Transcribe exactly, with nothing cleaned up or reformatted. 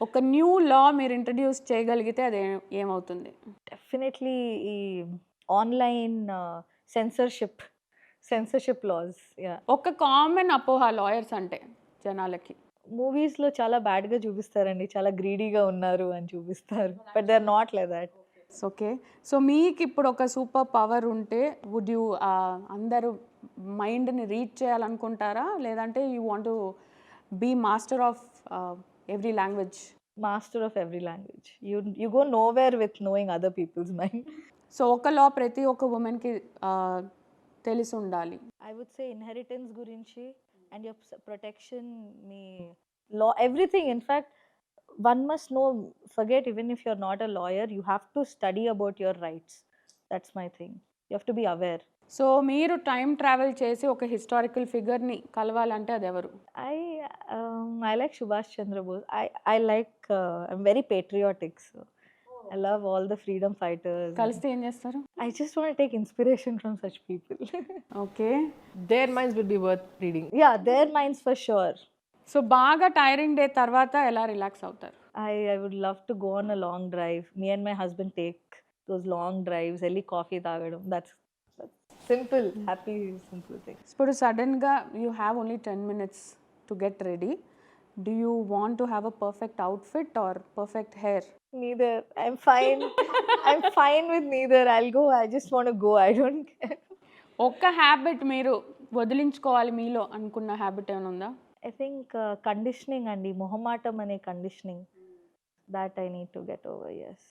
ఒక న్యూ లా మీరు ఇంట్రడ్యూస్ చేయగలిగితే అది ఏ- ఏమవుతుంది? డెఫినెట్లీ ఈ online censorship censorship laws. Yeah, ఒక కామన్ అపోహ లాయర్స్ అంటే జనాలకి. మూవీస్లో చాలా బ్యాడ్గా చూపిస్తారండి, చాలా గ్రీడీగా ఉన్నారు అని చూపిస్తారు, but they are not like that. Okay. So మీకు ఇప్పుడు ఒక సూపర్ పవర్ ఉంటే వుడ్ యూ అందరూ మైండ్ని రీచ్ చేయాలనుకుంటారా, లేదంటే you want be master of every language? Master of every language. You you go nowhere with knowing other people's mind. So ఒక law ప్రతి ఒక్క ఉమెన్కి తెలిసి ఉండాలి. ఐ వుడ్ సే ఇన్హెరిటెన్స్ గురించి అండ్ యువర్ ప్రొటెక్షన్, మీ law, everything. In fact one must know, forget even if you're not a lawyer, you have to study about your rights. That's my thing. You have to be aware. So మీరు time travel చేసి ఒక historical ఫిగర్ని కలవాలంటే అది ఎవరు? I um, I like Subhash Chandra Bose. I I like uh, I'm very patriotic, so I love all the freedom fighters. కలిస్తే ఏం చేస్తారు? I just want to take inspiration from such people. Okay. Their minds will be worth reading. Yeah, their minds for sure. So బాగా tiring day తర్వాత ఎలా relax అవుతారు? I I would love to go on a long drive. Me and my husband take those long drives. Elli coffee tagadam. That's that's simple, happy, simple thing. ఇప్పుడు సడన్గా you have only ten minutes to get ready. Do you want to have a perfect outfit or perfect hair? Neither. I'm fine. I'm fine with neither. I'll go. I just want to go. I don't care. ఒక్క habit మీరు వదిలించుకోవాలి మీలో అనుకున్న habit ఏమైనా ఉందా? I think uh, conditioning and the mohammatam ane conditioning that I need to get over. Yes.